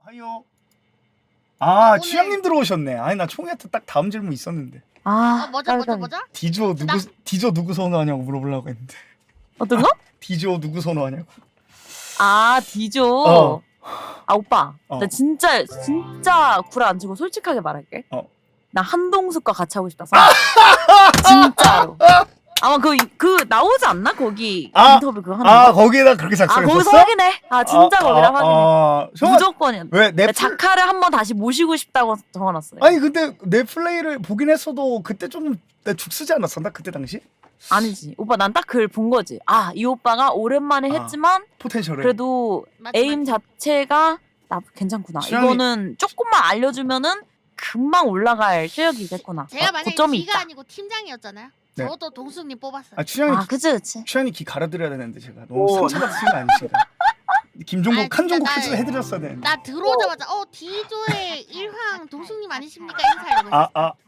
하요. 아, 취향님 들어오셨네. 아니 나 총이한테 딱 다음 질문 있었는데. 뭐죠? 디조 누구 선호하냐고 물어보려고 했는데. 어떤 거? 디조 누구 선호하냐고. 아 디조. 어. 아 오빠, 어. 나 진짜 구라 안 치고 솔직하게 말할게. 나 한동숙과 같이 하고 싶다. 진짜로. 아마 그 나오지 않나 거기 인터뷰 그거 하는 거? 거기에다 그렇게 작성했었어? 거기서 확인해. 진짜 거기다 확인해. 무조건이야. 왜 자카를 한번 다시 모시고 싶다고 적어놨어요. 아니 근데 내 플레이를 보긴 했어도 그때 좀 내 죽쓰지 않았었나 그때 당시? 아니지. 오빠 난 딱 그걸 본 거지. 이 오빠가 오랜만에 했지만 포텐셜을 그래도 에임 자체가 괜찮구나. 이거는 조금만 알려주면은 금방 올라갈 실력이겠구나. 제가 만약에 고점이 기가 있다. 아니고 팀장이었잖아요. 네. 저도 동숙님 뽑았어요. 그치. 취향이 기 갈아드려야 되는데 제가 너무 상처받으신 거 아니신가? 김종국 칸종국 퀴즈 해드렸어야 되는데. 나 들어오자마자 디조의 일황 동숙님 아니십니까 인사하려고 했어.